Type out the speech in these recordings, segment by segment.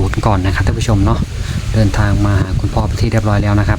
นย์ก่อนนะครับท่านผู้ชมเนาะเดินทางมาหาคุณพ่อไปที่เรียบร้อยแล้วนะครับ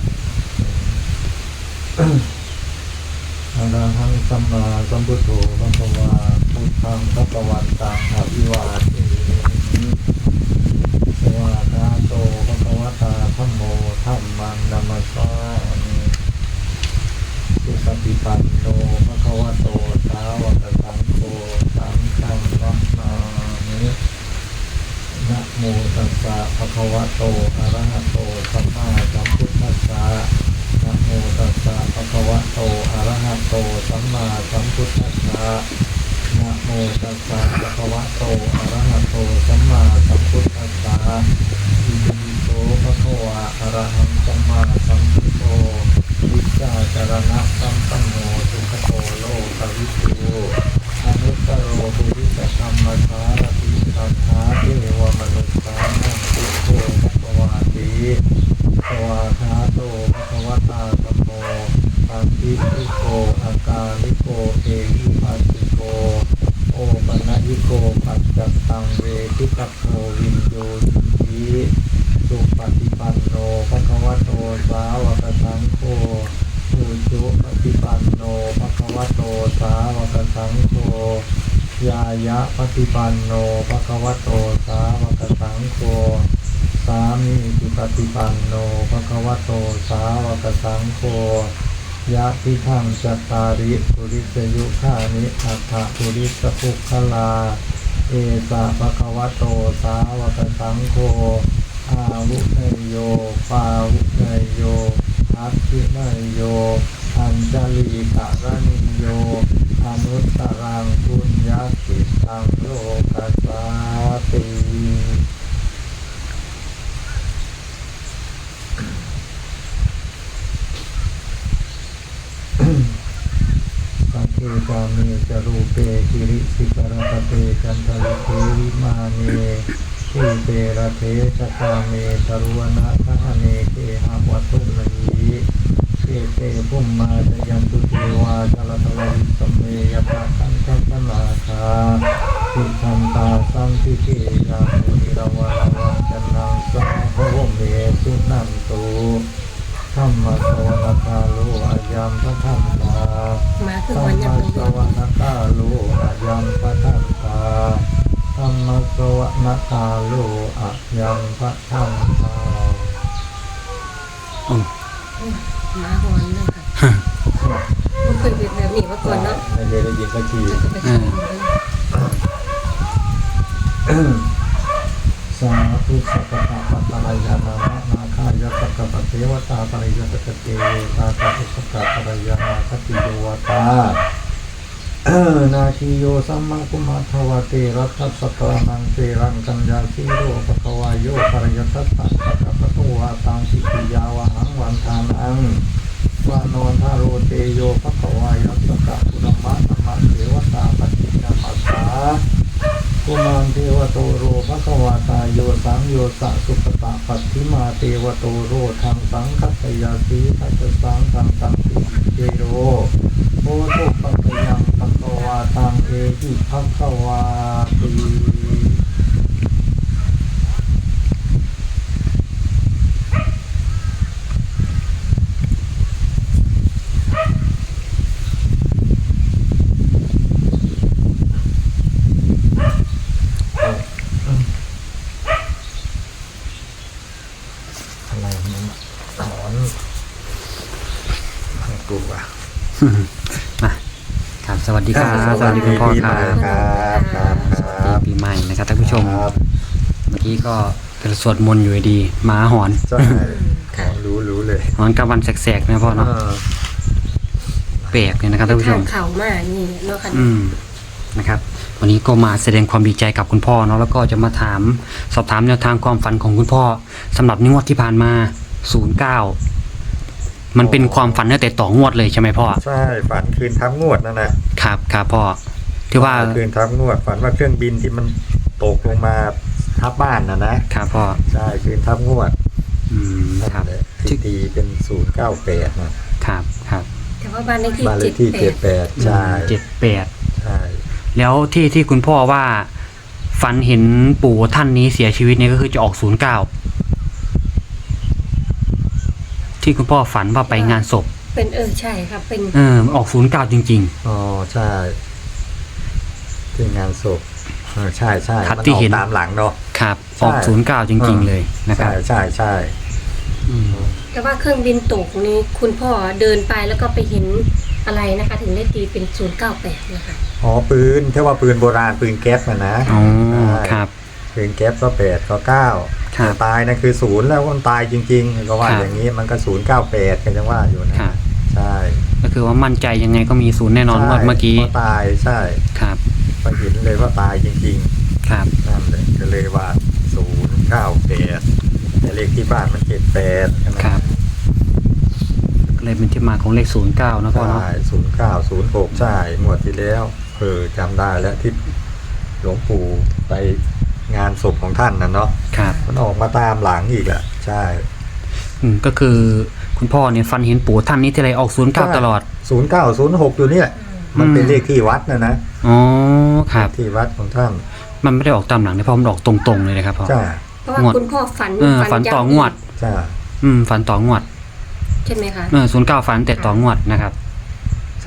อะระหังสัมมาสัมพุทโธภะคะวาพุทธังภะคะวันตังอะภิวาเทมิสวากขาโตภะคะวตาธัมโมธัมมังนัมมัสสามิสุปฏิปันโนภะคะวะโตสาวกสังโฆสังฆังนัมมามินะโมตัสสะภะคะวะโตอะระหะโตสัมมาสัมพุทธัสสะนะโมตัสสะภะคะวะโตอะระหะโตสัมมาสัมพุทธัสสะนะโมตัสสะภะคะวะโตอะระหะโตสัมมาสัมพุทธัสสะอิติปิโสภะคะวะอะระหังสัมมาสัมพุทโธวิชชาจารณะสัมปันโนสุขโตโลกวิทูอนุตตโรปุริสธรรมสารติสัทธาเทวมนุษย์สานังพุทโธภะคะวาติสวากขาโตภะคะวตาธัมโมปัสสิทิโกอากาลิโกเอหิปัสสิโกโอปนะยิโกปัจจัตตังเวทิตโพวินโยหิสุปฏิปันโนภะคะวะโตสาวกสังโฆอุชุปฏิปันโนภะคะวะโตสาวกสังโฆยายะปฏิปันโนภะคะวะโตสาวกสังโฆสามีจิปฏิปันโนภะคะวะโตสาวกสังโฆยะทิทังจัตตาริปุริสยุคานิอัฏฐปุริสภุคลาเอสะภะคะวะโตสาวกสังโฆอาวุเนยโยปาวุเนยโยอัตถิเนยโยอัญจลีกะระนิโยอนุตตรังปุญญาสิตังโลกัสสาติสัพเพกาเมจรูปเปกิริสิกรตเตจันทริเทวิมาเนทีเตระเทชะกาเมตรุวนะทะเนเกหะวัตถุมณีเกเตภุมมาจยันตุเทวาจลตววิสเมยปะคันทัสนาคาสิทันตาสังทิเกยังมุนิรวะระวังจันนังสังภวเมสุนันตุธัมมะสวนะกาโลอายัมพะทันตาธัมมะสวนะกาโลอายัมพะทันตาธัมมะสวนะกาโลอายัมพะทันตามาก่อนเลยค่ะไม่เคยเป็นแบบนี้มาก่อนเนาะไม่เคยได้ยินสักทีสาธุสัพพะปัตตะยานามะนาคายสักกะปะเทวตาปริยตะเตเวตาตาตุสักกะปริยานาคติโยวตานาคิโยสัมมาคุมาทวเตรัตถสัตตานังเตรังกัญญาสิโรปะคะวายโยปริยตัสสะสักกะปะโตวาตังสิกิยาวะหังวันทานังวานอนทาโรเตโยปะคะวายัสสะกุณมะนัมมะเทวตาปฏินามัสสากุมารเทวโตโรภควาตาโยสังโยสะสุปตะปัตถิมาเทวโตโรทังสังคัตยาสีทัตสังทังตังติเจโรโอตุปัตยังภควาตังเอหิภควาติมาครับสวัสดีครับสวัสดีคุณพ่อครับครับสวัสดีปีใหม่นะครับท่านผู้ชมเมื่อกี้ก็เป็นสวดมนต์อยู่ดีหมาหอนใช่รู้เลยหอนกลางวันแสกๆนะพ่อเนาะแปลกเลยนะครับท่านผู้ชมเข่ามานี่เนาะค่ะนะครับวันนี้ก็มาแสดงความดีใจกับคุณพ่อเนาะแล้วก็จะมาสอบถามแนวทางความฝันของคุณพ่อสำหรับงวดที่ผ่านมา09มันเป็นความฝันตั้งแต่ต่องวดเลยใช่ไหมพ่อใช่ฝันคืนทับงวดนั่นแหละครับพ่อที่ว่าคืนทับงวดฝันว่าเครื่องบินที่มันตกลงมาทับบ้านนะครับพ่อใช่คืนทับงวดครับที่ตีเป็น098 นะครับแต่ว่าบ้านเลขที่ 78ใช่ 78 ใช่แล้วที่คุณพ่อว่าฝันเห็นปู่ท่านนี้เสียชีวิตเนี่ยก็คือจะออก09ที่คุณพ่อฝันว่าไปงานศพเป็นใช่ครับเป็นออก09จริงอ๋อใช่ที่งานศพใช่ใช่ครับมันที่ออเห็กนตามหลังเนาะๆครับใช่ออก09จริง ๆ เลยนะครับใช่ใช่อืมแต่ว่าเครื่องบินตกนี้คุณพ่อเดินไปแล้วก็ไปเห็นอะไรนะคะ ถึงได้ตีเป็น098นะคะอ๋อปืนถ้าว่าปืนโบราณปืนแก๊สนะอ๋อใช่ครับปืนแก๊สก็8ก็9 ครับตายนะคือ0แล้วคนตายจริงๆก็ว่าครับอย่างนี้มันก็098กันจังว่าอยู่นะครับ ใช่ก็คือว่ามั่นใจยังไงก็มี0แน่นอนใช่เมื่อกี้ก็ตายใช่ครับก็เห็นเลยว่าตายจริงครับๆนั่นเลยก็เลยว่า098แต่เลขที่บ้านมัน78ใช่ไหมครับ ก็เลยเป็นที่มาของเลข09นะพ่อเนาะใช่0906ใช่งวดที่แล้วจำได้แล้วที่หลวงปู่ไปงานศพของท่านนะเนาะครับมันออกมาตามหลังอีกอ่ะใช่ก็คือคุณพ่อเนี่ยฝันเห็นปู่ท่านนี้ที่ไรออก09ตลอด 0906อยู่เนี่ยมันเป็นเลขที่วัดนะอ๋อครับที่วัดของท่านมันไม่ได้ออกตามหลังนะพ่อมันออกตรงๆเลยนะครับพ่อใช่เพราะว่าคุณพ่อฝันฝันต่องวดใช่ฝันต่องวดใช่ไหมคะ 09ฝันแต่ต่องวดนะครับใช่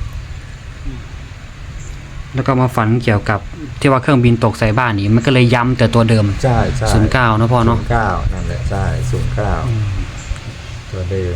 แล้วก็มาฝันเกี่ยวกับที่ว่าเครื่องบินตกใส่บ้านนี่มันก็เลยย้ำแต่ตัวเดิมใช่ใช่ 09นะพ่อเนาะ 09นั่นแหละใช่09ตัวเดิม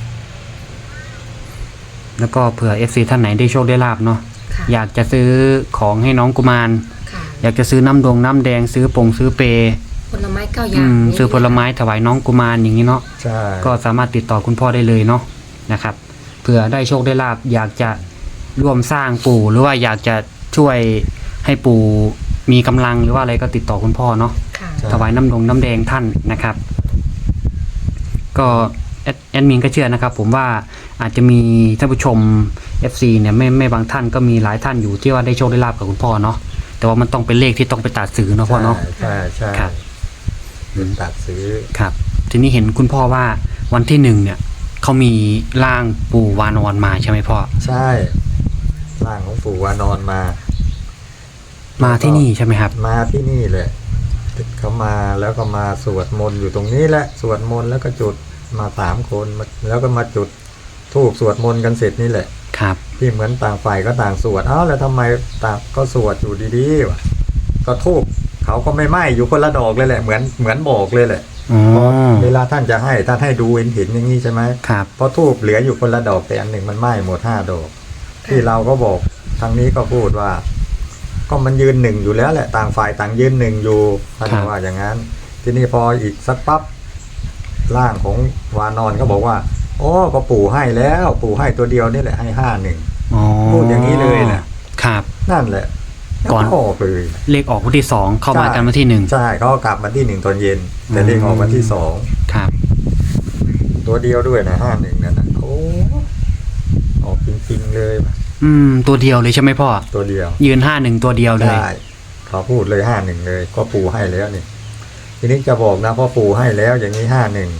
แล้วก็เผื่อ FC ท่านไหนได้โชคได้ลาบเนาะค่ะอยากจะซื้อของให้น้องกุมารค่ะอยากจะซื้อน้ำแดงซื้อซื้อเปผลไม้9อย่างซื้อผลไม้ถวายน้องกุมารอย่างนี้เนาะใช่ก็สามารถติดต่อคุณพ่อได้เลยเนาะนะครับเผื่อได้โชคได้ลาบอยากจะร่วมสร้างปู่หรือว่าอยากจะช่วยให้ปู่มีกำลังหรือว่าอะไรก็ติดต่อคุณพ่อเนาะค่ะใช่ถวายน้ำแดงท่านนะครับ ก็แอดมินก็เชื่อนะครับ ผมว่าอาจจะมีท่านผู้ชม FC เนี่ยไม่บางท่านก็มีหลายท่านอยู่ที่ว่าได้โชคได้ลาบกับคุณพ่อเนาะแต่ว่ามันต้องเป็นเลขที่ต้องไปตัดซื้อเนาะพ่อเนาะใช่ใช่ครับเป็นตัดซื้อครับทีนี้เห็นคุณพ่อว่าวันที่1เนี่ยเขามีร่างปู่วานอนมาใช่ไหมพ่อใช่ร่างของปู่วานอนมามาที่นี่ใช่ไหมครับมาที่นี่แหละเขามาแล้วก็มาสวดมนต์อยู่ตรงนี้แหละสวดมนต์แล้วก็จุดมา3 คนแล้วก็มาจุดธูปสวดมนต์กันเสร็จนี่แหละครับที่เหมือนต่างฝ่ายก็ต่างสวดแล้วทำไมต่างก็สวดอยู่ดีๆวะก็ธูปเขาก็ไม่ไหม้อยู่คนละดอกเลยแหละเหมือนบอกเลยแหละอ๋อเพราะเวลาท่านจะให้ท่านให้ดูเห็นอย่างนี้ใช่ไหมครับเพราะธูปเหลืออยู่คนละดอกแต่อันหนึ่งมันไหม้หมด5 ดอก ที่เราก็บอกทางนี้ก็พูดว่า ก็มันยืนหนึ่งอยู่แล้วแหละต่างฝ่ายต่างยืนหนึ่งอยู่ท่านว่าอย่างนั้น ทีนี้พออีกสักปั๊บร่างของวานอนก็บอกว่าโอ้ก็ปู่ให้แล้วปู่ให้ตัวเดียวนี่แหละให้51 อ๋อพูดอย่างนี้เลยนะครับ นั่นแหละก่อนแล้วออกเลยเลขออกวันที่2เข้ามาใช่กันวันที่1 ใช่เขาก็กลับมาที่1 ตอนเย็น แต่เลขออกวันที่2 ครับตัวเดียวด้วยนะ51นั่นนะโอ้ออกจริงๆเลยว่ะตัวเดียวเลยใช่ไหมพ่อตัวเดียวยืน51ตัวเดียวเลยใช่เขาพูดเลย51เลยก็ปู่ให้แล้วนี่ทีนี้จะบอกนะพ่อปู่ให้แล้วอย่างนี้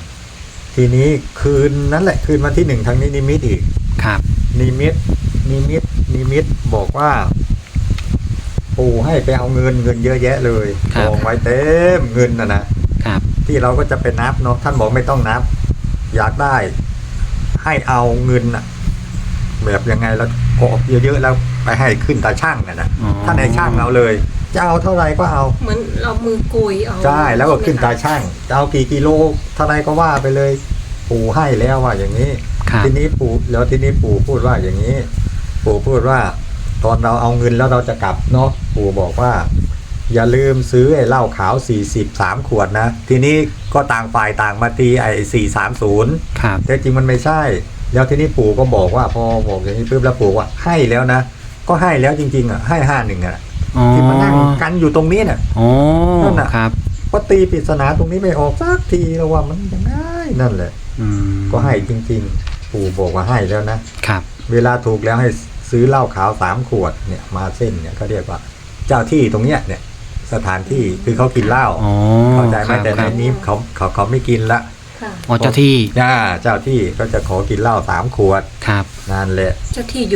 51ทีนี้คืนนั้นแหละคืนมาที่1ทางนี้นิมิตอีกครับนิมิตบอกว่าปู่ให้ไปเอาเงินเยอะแยะเลยครักบองไว้เต็มเงินนะครับ ที่เราก็จะไปนับเนาะท่านบอกไม่ต้องนับ อยากได้ให้เอาเงินน่ะแบบยังไงแล้วกอบเยอะๆแล้วไปให้ขึ้นตาช่างนะอ๋อท่านให้ช่างเอาเลยจะเอาเท่าไหร่ก็เอาเหมือนเรามือกุยเอาใช่แล้วก็ขึ้นตาช่างจะเอากี่กิโลเท่าไหร่ก็ว่าไปเลย ปู่ให้แล้วว่าอย่างนี้ครับทีนี้ปู่พูดว่าอย่างนี้ ปู่พูดว่า ตอนเราเอาเงินแล้วเราจะกลับเนาะปู่บอกว่า อย่าลืมซื้อไอ้เหล้าขาว43 ขวดนะทีนี้ก็ต่างฝ่ายต่างมาตีไอ้430 ครับแต่จริงมันไม่ใช่ แล้วทีนี้ปู่ก็บอกว่าพอบอกอย่างนี้ปุ๊บแล้วปู่ว่าให้แล้วนะก็ให้แล้วจริงๆให้51ที่มานั่งกันอยู่ตรงนี้เนี่ยอ๋อนั่นน่ะครับก็ตีปริศนาตรงนี้ไม่ออกสักทีแล้วว่ามันยังไงนั่นแหละ ก็ให้จริงๆ ปู่บอกว่าให้แล้วนะครับ เวลาถูกแล้วให้ซื้อเหล้าขาว3 ขวดเนี่ยมาเส้นเนี่ยเขาเรียกว่า เจ้าที่ตรงเนี้ยเนี่ยสถานที่คือเขากินเหล้าอ๋อเข้าใจไหมครับแต่ในนี้เขาไม่กินละค่ะอ๋อเจ้าที่เจ้าที่ก็จะขอกินเหล้า3 ขวดครับนั่นแหละเจ้าที่อยู่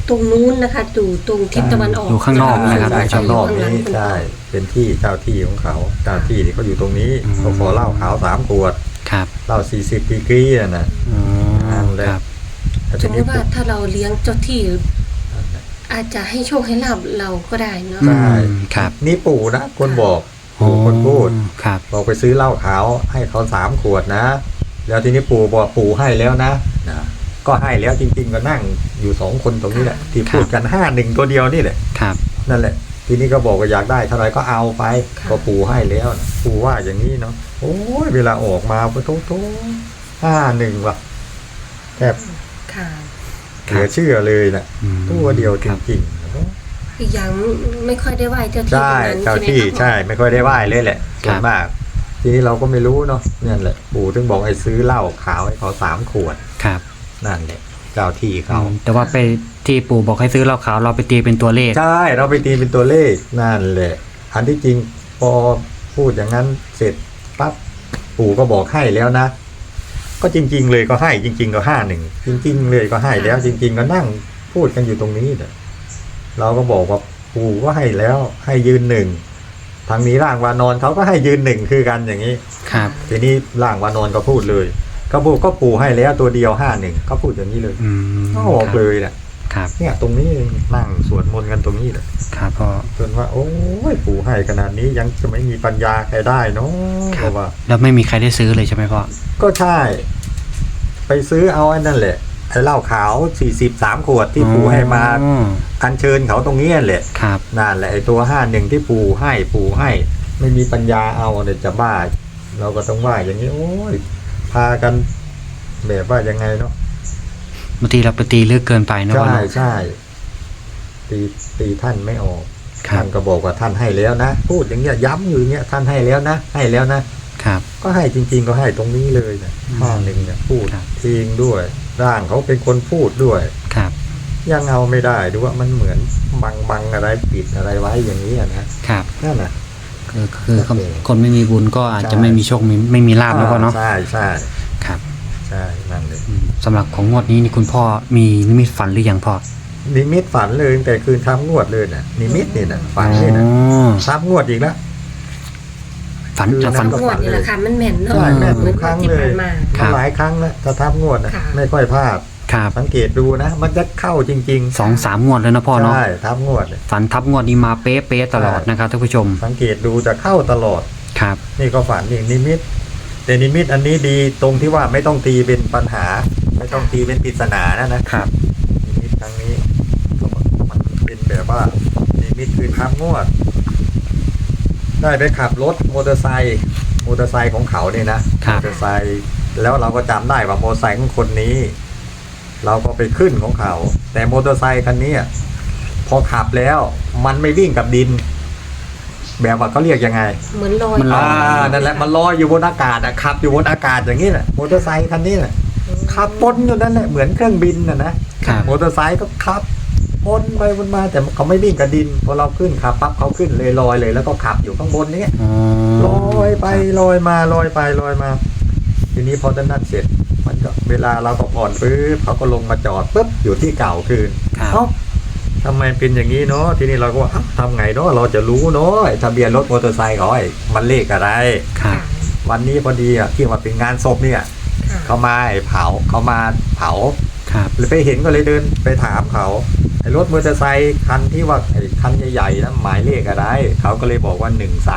ตรงนู้นนะคะอยู่ตรงทิศตะวันออกอยู่ข้างนอกนะครับใช่ข้างนอกยู่นี้ข้างหลังคุณพ่อใช่เป็นที่เจ้าที่ของเขาเจ้าที่ที่เขาอยู่ตรงนี้อืมเขาขอเหล้าขาว3 ขวดครับเหล้า40 ดีกรีน่ะนะอ๋อนั่นแหละครับแต่สทีมมนี้ติว่าถ้าเราเลี้ยงเจ้าที่ อาจจะให้โชคให้ลาบเราก็ได้เนาะใช่ครับนี่ปู่นะคนบอกปู่คนพูดครับบอกไปซื้อเหล้าขาวให้เขา3 ขวดนะ แล้วทีนี้ปู่บอกปู่ให้แล้วนะก็ให้แล้วจริง ๆ ก็นั่งอยู่2 คนตรงนี้แหละที่พูดกัน51 ตัวเดียวนี่แหละครับนั่นแหละ ทีนี้ก็บอกว่าอยากได้เท่าไหรก็เอาไปก็ปู่ให้แล้วนะปู่ว่าอย่างนี้เนาะโอ้ยเวลาออกมาโถ่51ว่ะแทบค่ะเหลือเชื่อเลยนะอืมตัวเดียวจครับริงอีกอย่างไม่ค่อยได้ไหว้เจ้าๆที่ใช่ตรงนั้นเจ้าใช่ไหมที่คะใช่ไม่ค่อยได้ไหว้เลยแหละส่วนมาก ทีนี้เราก็ไม่รู้เนาะนั่นแหละปู่ถึงบอกให้ซื้อเหล้าขาวให้เขา3 ขวดครับนั่นแหละเจ้าที่เขาแต่ว่าไปที่ปู่บอกให้ซื้อเหล้าขาวเราไปตีเป็นตัวเลขใช่เราไปตีเป็นตัวเลขนั่นแหละอันที่จริงพอพูดอย่างนั้นเสร็จปั๊บปู่ก็บอกให้แล้วนะ ก็จริง ๆ เลยก็ให้จริง ๆ ก็51จริง ๆ เลยก็ให้แล้ว จริง ๆ ก็นั่งพูดกันอยู่ตรงนี้เนี่ยเราก็บอกว่าปู่ก็ให้แล้วให้ยืน1ทางนี้ร่างวานอนเขาก็ให้ยืน1คือกันอย่างนี้ครับทีนี้ร่างวานอนก็พูดเลยก็บอกก็ปู่ให้แล้วตัวเดียว51ก็พูดอย่างนี้เลยอืมก็บอกเลยเนี่ยครับเนี่ยตรงนี้นั่งสวดมนต์กันตรงนี้เลยครับพ่อจนว่าโอ้ยปู่ให้ขนาดนี้ยังจะไม่มีปัญญาใครได้เนาะเพราะว่าแล้วไม่มีใครได้ซื้อเลยใช่ไหมพ่อก็ใช่ ไปซื้อเอาไอ้นั่นแหละไอ้เหล้าขาว43 ขวดที่ปู่ให้มาอ๋ออัญเชิญเขาตรงนี้แหละครับนั่นแหละไอ้ตัว51ที่ปู่ให้ ไม่มีปัญญาเอาเนี่ยจะบ้า เราก็ต้องว่าอย่างนี้โอ้ยพากันแบบว่ายังไงเนาะบางทีเราไปตีลึกเกินไปนะพ่อใช่เนาะใช่ตีท่านไม่ออกครับท่านก็บอกว่าท่านให้แล้วนะพูดอย่างเงี้ยย้ำอยู่อย่างเงี้ยท่านให้แล้วนะให้แล้วนะครับก็ให้จริง ๆ ก็ให้ตรงนี้เลยนะ51เนี่ยพูดครับเองด้วยร่างเขาเป็นคนพูดด้วยครับยังเอาไม่ได้ดูว่ามันเหมือนบังอะไรปิดอะไรไว้อย่างนี้อะนะครับ นั่นน่ะคือคนไม่มีบุญก็อาจจะไม่มีโชคไม่มีลาบนะพ่อเนาะใช่ใช่ครับใช่นั่นเลยสำหรับของงวดนี้นี่คุณพ่อมีนิมิตฝันหรือยังพ่อนิมิตฝันเลยตั้งแต่คืนทำงวดเลยน่ะนิมิตนี่น่ะฝันเลยน่ะอ๋อทำงวดอีกแล้วฝันคือจะฝันก็งวดนี่แหละค่ะมันแม่นเนาะใช่แม่นเหมือนทุกครั้งที่เลยผ่านมาครับหลายครั้งแล้วถ้าทำงวดนะค่ะไม่ค่อยพลาดครับสังเกตดูนะมันจะเข้าจริงๆ 2-3 งวดแล้วนะพ่อเนาะใช่ทำงวดเนี่ยฝันทับงวดนี้มาเป๊ะๆตลอดนะครับท่านผู้ชมสังเกตดูจะเข้าตลอดครับนี่ก็ฝันอีกนิมิต แต่นิมิตอันนี้ดีตรงที่ว่าไม่ต้องตีเป็นปัญหา ไม่ต้องตีเป็นปริศนานะครับ นิมิตครั้งนี้มันเป็นแบบว่านิมิตคือทำงวด ได้ไปขับรถมอเตอร์ไซค์ของเขาเนี่ยนะมอเตอร์ไซค์แล้วเราก็จำได้ว่ามอเตอร์ไซค์ของคนนี้ เราก็ไปขึ้นของเขา แต่มอเตอร์ไซค์คันนี้พอขับแล้วมันไม่วิ่งกับดิน แบบว่าเขาเรียกยังไงเหมือนลอยมันลอยนั่นแหละมันลอยอยู่บนอากาศอะขับอยู่บนอากาศอย่างนี้แหละมอเตอร์ไซค์คันนี้แหละขับปนอยู่นั่นแหละเหมือนเครื่องบินนะครับ มอเตอร์ไซค์ก็ขับปนไปวนมาแต่เขาไม่วิ่งกับดินพอเราขึ้นขับปั๊บเขาขึ้นเลยลอยเลย แล้วก็ขับอยู่ข้างบนนี้อ๋อลอยไปลอยมาลอยไปลอยมา ทีนี้พอนั่นเสร็จมันก็เวลาเราก็ผ่อนปุ๊บเขาก็ลงมาจอดปุ๊บอยู่ที่เก่าคืนครับเอ้าทำไมเป็นอย่างนี้เนาะทีนี้เราก็ว่าเอ้าทำไงเนาะเราจะรู้เนาะไอ้ทะเบียนรถมอเตอร์ไซค์เขาไอ้มันเลขอะไรครับวันนี้พอดีอ่ะที่มาเป็นงานศพเนี่ยค่ะเขามาเผาครับเลยไปเห็นก็เลยเดินไปถามเขาไอ้รถมอเตอร์ไซค์คันที่ว่าไอ้คันใหญ่ๆนะหมายเลขอะไรเขาก็เลยบอกว่า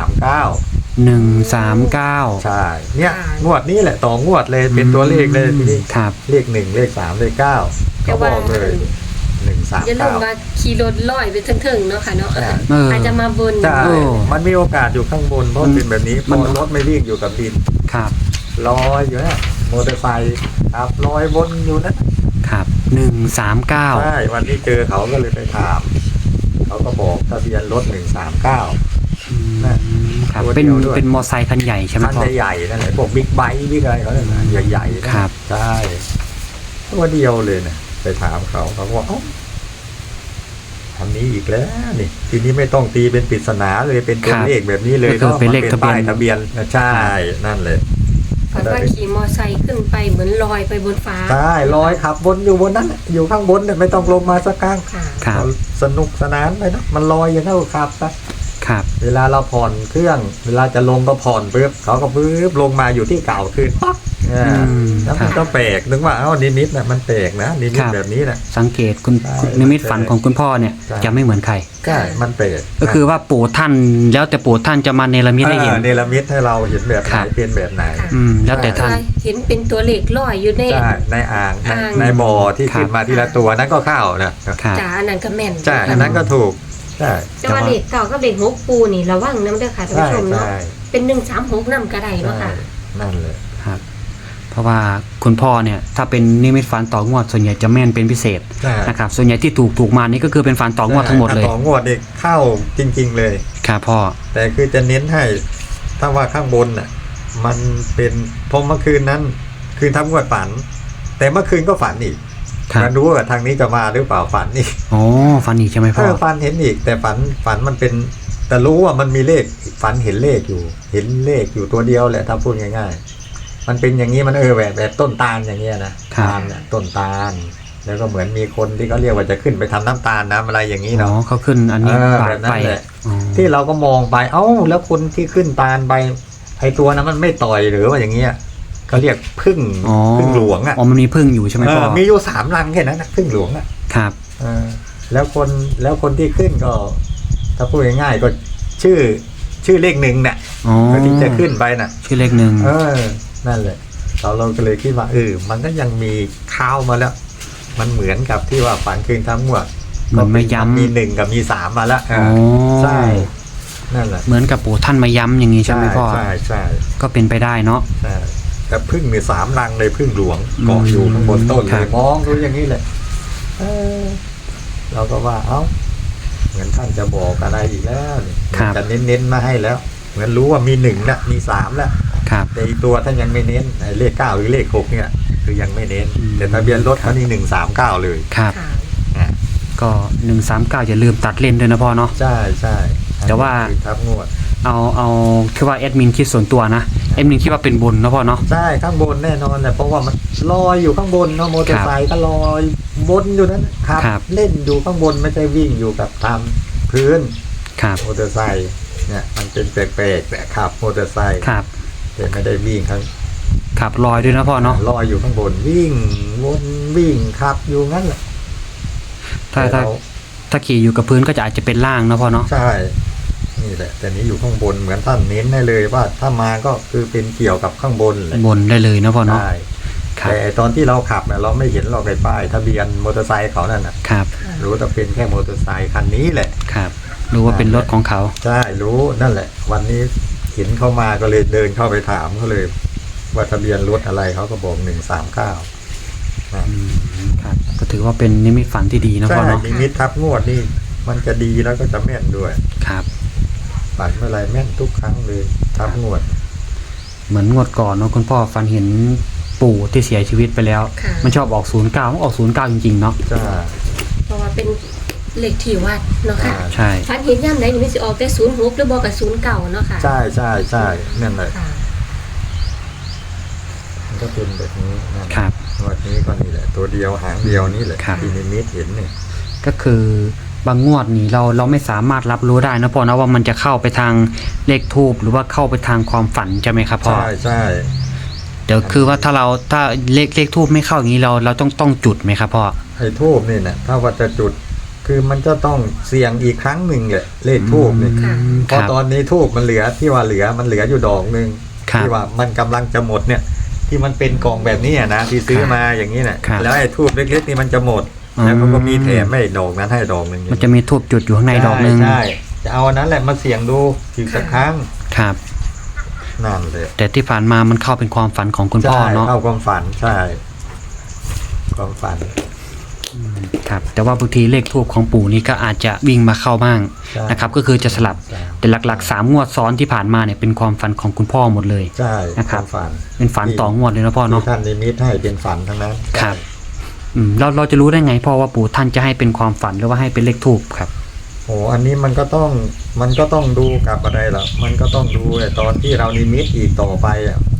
139 ใช่เนี่ยงวดนี้แหละต่องวดเลยเป็นตัวเลขเลยทีนี้ครับเลข1เลข3เลข9เขาบอกเลยอย่าลืมว่า 139 ขี่รถลอยไปถึงๆเนาะค่ะเนาะใช่อาจจะมาบนใช่โอ้มันมีโอกาสอยู่ข้างบนเพราะเป็นแบบนี้เพมันราะรถไม่วิ่งอยู่กับดินครับลอยอยู่นะมอเตอร์ไซค์ครับลอยบนอยู่นะครับ ใช่ 139 วันที่เจอเขาก็เลยไปถาม เขาก็บอกทะเบียนรถ139 ครับตัวเดีเป็นยวด้วยเป็นมอไซค์คันใหญ่ใช่ไหมคันพ่อใหญ่ๆนั่นแหละพวกบิ๊กไบค์บิ๊กอะไรเขาเนี่ยนะใหญ่ๆนะครับ ใช่ตัวเดียวเลยนะไปถามเขาเขาก็บอกเอ้าทำนี้อีกแล้วนี่ทีนี้ไม่ต้องตีเป็นปริศนาเลยเป็นตัวเลขแบบนี้เลยก็คือเป็นเลขมัทะเบียนป้ายทะเบียนใช่นั่นเลยฝันว่าขี่มอไซค์ขึ้นไปเหมือนลอยไปบนฟ้าใช่ลอยขับบนอยู่บนนั้นน่ะอยู่ข้างบนเนี่ยไม่ต้องลงมาสักครั้งค่ะครับสนุกสนานเลยนะมันลอยอย่างนั้นก็ขับไปครับเวลาเราผ่อนเครื่อง เวลาจะลงก็ผ่อนปุ๊บเขาก็ปุ๊บลงมาอยู่ที่เก่าคืนปั๊บแล้วมันก็แปลกนึกว่าเอ้านิมิตน่ะมันแปลกนะนิมิตแบบนี้นะสังเกตคุณใช่นิมิตฝันของคุณพ่อเนี่ยใช่จะไม่เหมือนใครใช่มันแปลกก็คือว่าปู่ท่านแล้วแต่ปู่ท่านจะมาเนรมิตให้เห็นเนรมิตให้เราเห็นแบบไหนครับเป็นแบบไหนค่ะแล้วแต่ท่านเห็นเป็นตัวเลขลอยอยู่ในใช่ในอ่างในอ่างในบ่อที่ครับขึ้นมาทีละตัวนั้นก็เข้านะครับจ่าอันนั้นก็แม่นใช่อันนั้นก็ถูกใช่แต่ว่าเลขเก่ากับเลข6ปูนี่ระวังนะเด้อค่ะท่านใช่ผู้ชมเนาะใช่เป็น136นำก็ได้เนาะใช่ค่ะนั่นเลยครับ เพราะว่าคุณพ่อเนี่ยถ้าเป็นนิมิตฝันต่องวดส่วนใหญ่จะแม่นเป็นพิเศษใช่นะครับส่วนใหญ่ที่ถูกมานี่ก็คือเป็นฝันต่องวดทั้งหมดเลยถ้าต่องวดนี่เข้าจริง ๆเลยครับพ่อแต่คือจะเน้นให้ถ้าว่าข้างบนน่ะมันเป็นพอเมื่อคืนนั้นคืนทำงวดฝัน แต่เมื่อคืนก็ฝันอีกครับมาดูว่าทางนี้จะมาหรือเปล่าฝันอีกอ๋อฝันอีกใช่ไหมพ่อฝันเห็นอีก แต่ฝันมันเป็น แต่รู้ว่ามันมีเลขฝันเห็นเลขอยู่ เห็นเลขอยู่ตัวเดียวแหละถ้าพูดง่ายๆ มันเป็นอย่างนี้มันแบบต้นตาลอย่างเงี้ยนะตาลเนี่ยต้นตาล แล้วก็เหมือนมีคนที่เขาเรียกว่าจะขึ้นไปทำน้ำตาลน้ำอะไรอย่างนี้อ๋อเนาะเขาขึ้นอันนี้ปาแบดบนั้ไปนแหละอ๋อที่เราก็มองไปเอ้าแล้วคนที่ขึ้นตาลไปไอตัวนั้นมันไม่ต่อยหรือว่าอย่างเงี้ยเขาเรียกพึ่งอ๋อพึ่งหลวงอ่ะอ๋อมันมีพึ่งอยู่ใช่ไหมพ่อมีอยู่3 รังแค่นั้นนะพึ่งหลวงอ่ะครับแล้วคนที่ขึ้นก็ ถ้าพูดง่ายๆก็ชื่อเลข1เนี่ยอ๋อที่จะขึ้นไปน่ะชื่อเลขหนึ่งนั่นแหละเราก็เลยคิดว่ามันก็ยังมีข้าวมาแล้ว มันเหมือนกับที่ว่าฝันคืนทั้งหมดมันไม่ย้ำมี1กับมี3มาแล้วอ๋อใช่นั่นแหละเหมือนกับปู่ท่านมาย้ำอย่างนี้ใช่ไหมพ่อใช่ก็เป็นไปได้เนาะใช่แต่พึ่งมี3 รังเลยพึ่งหลวงเกาะอยู่ข้างบนต้นครัเลบยมองดูอย่างนี้เลยเราก็ว่าเหมือนท่านจะบอกอะไรอีกแล้วนี่จะเน้นๆมาให้แล้ว เหมือนรู้ว่ามี1นะมี3แล้วครับแต่อีกตัวท่านยังไม่เน้นไอ้เลข9หรือเลข6เนี่ยคือยังไม่เน้นอืมแต่ทะเบียนรถเขานี่139เลยครับค่ะอ่ะก็139อย่าลืมตัดเล่นด้วยนะพ่อเนาะใช่ใช่แต่ว่าอันนี้คือทับงวดเอาคือว่าแอดมินคิดส่วนตัวนะแอดมินคิดว่าเป็นบนนะพ่อเนาะใช่ข้างบนแน่นอนแหละเพราะว่ามันลอยอยู่ข้างบนเนาะมอเตอร์ไซค์ก็ลอยบนอยู่นั้นครับเล่นอยู่ข้างบนไม่ใช่วิ่งอยู่กับตามพื้นครับมอเตอร์ไซค์เนี่ยมันเป็นแปลกๆแต่ขับมอเตอร์ไซค์ครับแต่ไม่ได้วิ่งข้างขับลอยด้วยนะพ่อเนาะลอยอยู่ข้างบนวิ่งวนวิ่งขับอยู่งั้นแหละถ้าแต่เราถ้าขี่อยู่กับพื้นก็จะอาจจะเป็นล่างนะพ่อเนาะใช่นี่แหละแต่นี้อยู่ข้างบนเหมือนท่านเน้นให้เลยว่าถ้ามาก็คือเป็นเกี่ยวกับข้างบนเลยบนได้เลยนะพ่อเนาะใช่ครับแต่ตอนที่เราขับเนี่ยเราไม่เห็นหรอกไอ้ป้ายทะเบียนมอเตอร์ไซค์เขานั่นน่ะครับรู้แต่เป็นแค่มอเตอร์ไซค์คันนี้แหละครับรู้ว่าเป็นรถของเขาใช่รู้นั่นแหละ วันนี้เห็นเข้ามาก็เลยเดินเข้าไปถามเขาเลย ว่าทะเบียนรถอะไรเขาก็บอก139 ครับก็ถือว่าเป็นนิมิตฝันที่ดีนะใช่พ่อเนาะมีมิตรทับงวดนี่มันจะดีแล้วก็จะแม่นด้วยครับฝันเมื่อไรแม่นทุกครั้งเลยทับงวดเหมือนงวดก่อนเนาะคุณพ่อฝันเห็นปู่ที่เสียชีวิตไปแล้วค่ะมันชอบออก09มันออก09จริงๆเนาะจ้าเพราะว่าเป็นเลขที่วัดเนาะค่ะใช่ฝันเห็นย่ำไหนนี่มันสิออกแต่06หรือบอกกับ09เนาะค่ะใช่นั่นเลยค่ะมันก็เป็นแบบนี้นะครับ งวดนี้ก็นี่แหละ ตัวเดียวหางเดียวนี่แหละครับที่นิมิตเห็นเนี่ยก็คือบางงวดนี่เราไม่สามารถรับรู้ได้นะพ่อนะว่ามันจะเข้าไปทางเลขทูบหรือว่าเข้าไปทางความฝันใช่ไหมครับพ่อใช่เดี๋ยวคือว่าถ้าเลขทูบไม่เข้าอย่างนี้เราต้องจุดไหมครับพ่อไอ้ทูบนี่นะถ้าว่าจะจุด คือมันจะต้องเสี่ยงอีกครั้งหนึ่งแหละเลขทูบนี่ค่ะเพราะตอนนี้ทูบมันเหลือที่ว่ามันเหลืออยู่ดอกหนึ่งครับที่ว่ามันกำลังจะหมดเนี่ย ที่มันเป็นกล่องแบบนี้นะที่ซื้อมาอย่างนี้นะครับ แล้วไอ้ทูบเล็กๆนี่มันจะหมด แล้วเขาก็มีแถมไม่ดอกนั้นให้ดอกหนึ่งมันจะมีทูบจุดอยู่ข้างในดอกหนึงใช่จะเอาอันนั้นแหละมาเสี่ยงดูอีกสักครั้งครับนั่นเลยแต่ที่ผ่านมามันเข้าเป็นความฝันของคุณพ่อใช่เนาะเข้าความฝันใช่ความฝันครับแต่ว่าบางทีเลขทูบของปู่นี่ก็อาจจะวิ่งมาเข้าบ้างใช่นะครับก็คือจะสลับใช่แต่หลักๆ3งวดซ้อนที่ผ่านมาเนี่ยเป็นความฝันของคุณพ่อหมดเลยใช่นะครับความฝันเป็นฝันต่องวดเลยนะพ่อเนาะที่ท่านนิมิตให้เป็นฝันทั้งนั้นครับ เราจะรู้ได้ไงพ่อว่าปู่ท่านจะให้เป็นความฝันหรือว่าให้เป็นเลขทูบครับโอ้อันนี้มันก็ต้องดูกับอะไรล่ะมันก็ต้องดูไอ้ตอนที่เรานิมิตอีกต่อไปอ่ะ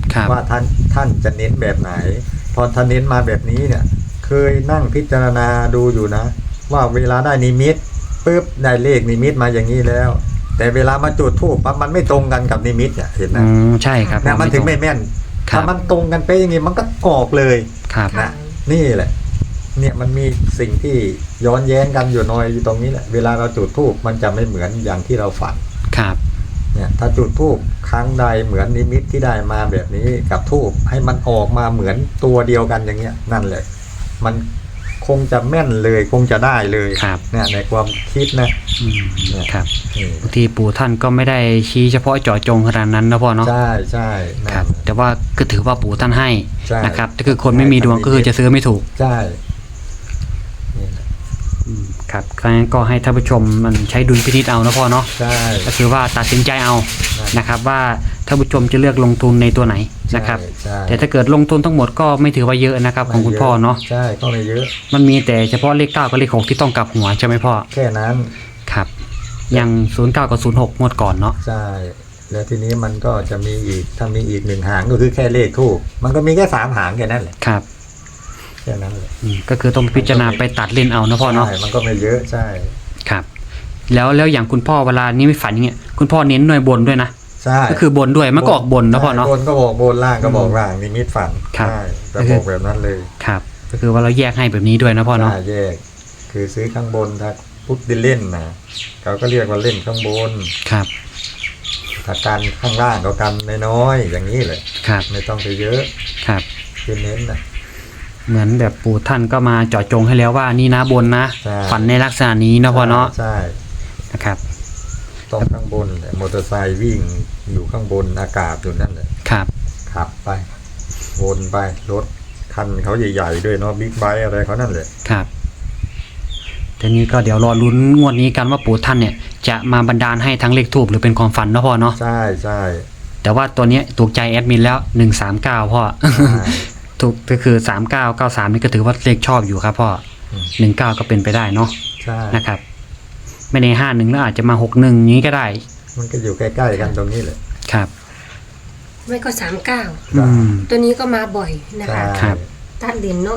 ครับว่าท่านจะเน้นแบบไหน พอท่านเน้นมาแบบนี้เนี่ย เคยนั่งพิจารณาดูอยู่นะ ว่าเวลาได้นิมิตปุ๊บได้เลขนิมิตมาอย่างนี้แล้ว แต่เวลามาจุดธูปปั๊บมันไม่ตรงกันกับนิมิตเนี่ยเห็นไหมใช่ครับเนี่ยมันถึงไม่แม่นครับถ้ามันตรงกันไปอย่างงี้มันก็ออกเลยครับนะนี่แหละ เนี่ยมันมีสิ่งที่ย้อนแย้งกันอยู่หน่อยอยู่ตรงนี้แหละเวลาเราจุดธูปมันจะไม่เหมือนอย่างที่เราฝันครับเนี่ยถ้าจุดธูปครั้งใดเหมือนนิมิตที่ได้มาแบบนี้กับธูปให้มันออกมาเหมือนตัวเดียวกันอย่างเงี้ยนั่นแหละมันคงจะแม่นเลยคงจะได้เลยครับเนี่ยในความคิดนะครับนี่บางทีปู่ท่านก็ไม่ได้ชี้เฉพาะเจาะจงขนาดนั้นนะพ่อเนาะใช่ใช่นั่ครับนแต่ว่าก็ถือว่าปู่ท่านให้ใช่นะครับถ้าคือคนไม่มีดวงก็คือจะซื้อไม่ถูกใช่นี่แหละครับครั้งนั้นก็ให้ท่านผู้ชมมันใช้ดุลพินิจเอานะพ่อเนาะใช่ก็คือว่าตัดสินใจเอาใช่นะครับว่าท่านผู้ชมจะเลือกลงทุนในตัวไหนนะครับใช่แต่ถ้าเกิดลงทุนทั้งหมดก็ไม่ถือว่าเยอะนะครับของคุณพ่อเนาะใช่ก็ไม่เยอะมันมีแต่เฉพาะเลข9กับเลข6ที่ต้องกลับหัวใช่ไหมพ่อแค่นั้นครับอย่าง09กับ06งวดก่อนเนาะใช่ แล้วทีนี้มันก็จะมีอีกถ้ามีอีก1หางก็คือแค่เลขทูปมันก็มีแค่3หางแค่นั้นแหละครับแค่นั้นแหละก็คือต้องพิจารณาไปตัดเล่นเอานะพ่อเนาะใช่มันก็ไม่เยอะใช่ครับแล้วอย่างคุณพ่อเวลานี้ไม่ฝันอย่างเงี้ยคุณพ่อเน้นหน่วยบนด้วยนะใช่ก็คือบนด้วยมันก็ออกบนนะพ่อเนาะบนก็บอกบนล่างก็บอกล่างนิมิตฝันครับใช่จะบอกแบบนั้นเลยครับก็คือว่าเราแยกให้แบบนี้ด้วยนะพ่อเนาะใช่แยก คือซื้อข้างบนถ้าพุทธเล่นนะเขาก็เรียกว่าเล่นข้างบนครับถ้ากันข้างล่างก็กันน้อยๆอย่างนี้เลยครับไม่ต้องไปเยอะครับคือเน้นนะเหมือนแบบปู่ท่านก็มาเจาะจงให้แล้วว่านี่นะบนนะใช่ฝันในลักษณะนี้นะพ่อเนาะใช่นะครับต้องข้างบนแหละมอเตอร์ไซค์วิ่งอยู่ข้างบนอากาศอยู่นั่นแหละครับขับไปวนไปรถคันเขาใหญ่ๆด้วยเนาะบิ๊กไบค์อะไรเขานั่นแหละครับทีนี้ก็เดี๋ยวรอลุ้นงวดนี้กันว่าปู่ท่านเนี่ยจะมาบันดาลให้ทั้งเลขทูบหรือเป็นความฝันนะพ่อเนาะใช่ใช่แต่ว่าตัวเนี้ยถูกใจแอดมินแล้ว139พ่อใช่ถูกก็คือ3993นี่ก็ถือว่าเลขชอบอยู่ครับพ่ออืม 19ก็เป็นไปได้เนาะใช่นะครับไม่ใน51แล้วอาจจะมา61นี้ก็ได้มันก็อยู่ใกล้ๆกันตรงนี้แหละครับไม่ก็39 อืมตัวนี้ก็มาบ่อยนะคะครับตัดเหรียญเนาะ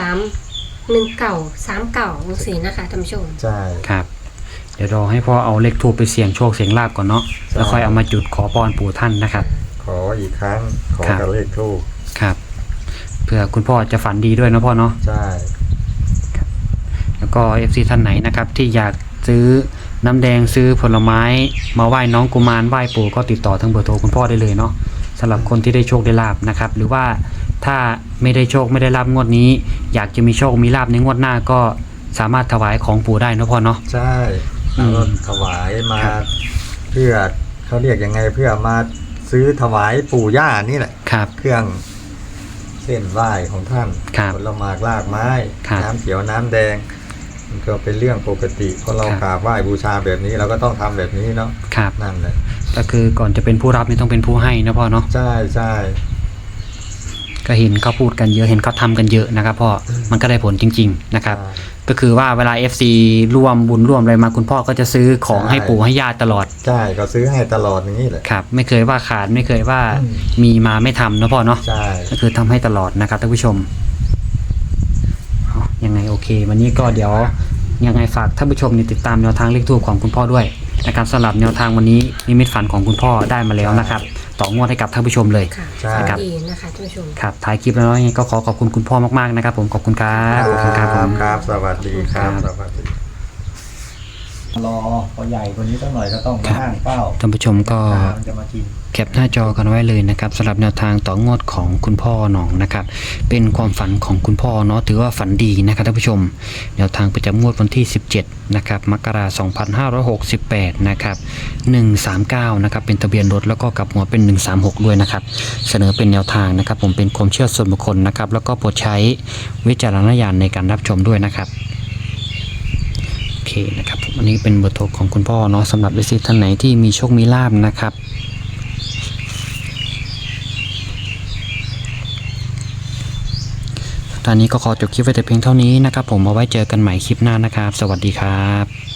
13 19 39สีนะคะท่านผู้ชมใช่ครับ เดี๋ยวรอให้พ่อเอาเลขทูปไปเสี่ยงโชคเสี่ยงลาบก่อนเนาะแล้วค่อยเอามาจุดขอพรปู่ท่านนะครับขออีกครั้งขอครับกับเลขทูปครับเพื่อคุณพ่อจะฝันดีด้วยนะพ่อเนาะใช่แล้วก็ FC ท่านไหนนะครับที่อยากซื้อน้ำแดงซื้อผลไม้มาไหว้น้องกุมารไหว้ปู่ก็ติดต่อทางเบอร์โทรคุณพ่อได้เลยเนาะสำหรับคนที่ได้โชคได้ลาบนะครับหรือว่าถ้าไม่ได้โชคไม่ได้ลาบงวดนี้ อยากจะมีโชคมีลาบในงวดหน้าก็สามารถถวายของปู่ได้นะพ่อเนาะใช่อืมแล้วก็ถวายมาครับเพื่อเขาเรียกยังไงเพื่อมาซื้อถวายปู่ย่านี่แหละครับเครื่องเส้นไหว้ของท่านครับผลหมากลากไม้ครับน้ำเขียวน้ำแดง มันก็เป็นเรื่องปกติเพราะเราครับกราบไหว้บูชาแบบนี้เราก็ต้องทำแบบนี้เนาะครับนั่นแหละก็คือก่อนจะเป็นผู้รับนี่ต้องเป็นผู้ให้นะพ่อเนาะใช่ใช่ก็เห็นเขาพูดกันเยอะเห็นเขาทำกันเยอะนะครับพ่อมันก็ได้ผลจริง ๆนะครับใช่ก็คือว่าเวลา FC ร่วมบุญร่วมอะไรมาคุณพ่อก็จะซื้อของใช่ให้ปู่ให้ย่าตลอดใช่ก็ซื้อให้ตลอดอย่างนี้แหละครับไม่เคยว่าขาดไม่เคยว่าอืมมีมาไม่ทำนะพ่อเนาะใช่ก็คือทำให้ตลอดนะครับท่านผู้ชมเอายังไงโอเค วันนี้ก็เดี๋ยวยังไงฝากท่านผู้ชมนี่ติดตามแนวทางเลขทูปของคุณพ่อด้วยนะครับสำหรับแนวทางวันนี้นิมิตฝันของคุณพ่อได้มาแล้วนะครับต่องวดให้กับท่านผู้ชมเลยค่ะใช่ฝันดีนะคะท่านผู้ชมครับท้ายคลิปแล้วยังไงก็ขอบคุณคุณพ่อมากๆนะครับผมขอบคุณครับขอบคุณครับผมครับสวัสดีครับครับสวัสดีรอพอใหญ่กว่านี้สักหน่อยก็ต้องมาห้างเป้าท่านผู้ชมก็มันจะมากินแคปหน้าจอกันไว้เลยนะครับสำหรับแนวทางต่องวดของคุณพ่อหนองนะครับเป็นความฝันของคุณพ่อเนาะถือว่าฝันดีนะครับท่านผู้ชมแนวทางประจำงวดวันที่ 17นะครับมกราคม2568นะครับ139นะครับเป็นทะเบียนรถแล้วก็กลับหัวเป็น136ด้วยนะครับเสนอเป็นแนวทางนะครับผมเป็นความเชื่อส่วนบุคคลนะครับแล้วก็โปรดใช้วิจารณญาณในการรับชมด้วยนะครับโอเคนะครับผมอันนี้เป็นเบอร์โทรของคุณพ่อเนาะสำหรับวิสิตท่านไหนที่มีโชคมีลาภนะครับตอนนี้ก็ขอจบคลิปไว้แต่เพียงเท่านี้นะครับผมเอาไว้เจอกันใหม่คลิปหน้านะครับ สวัสดีครับ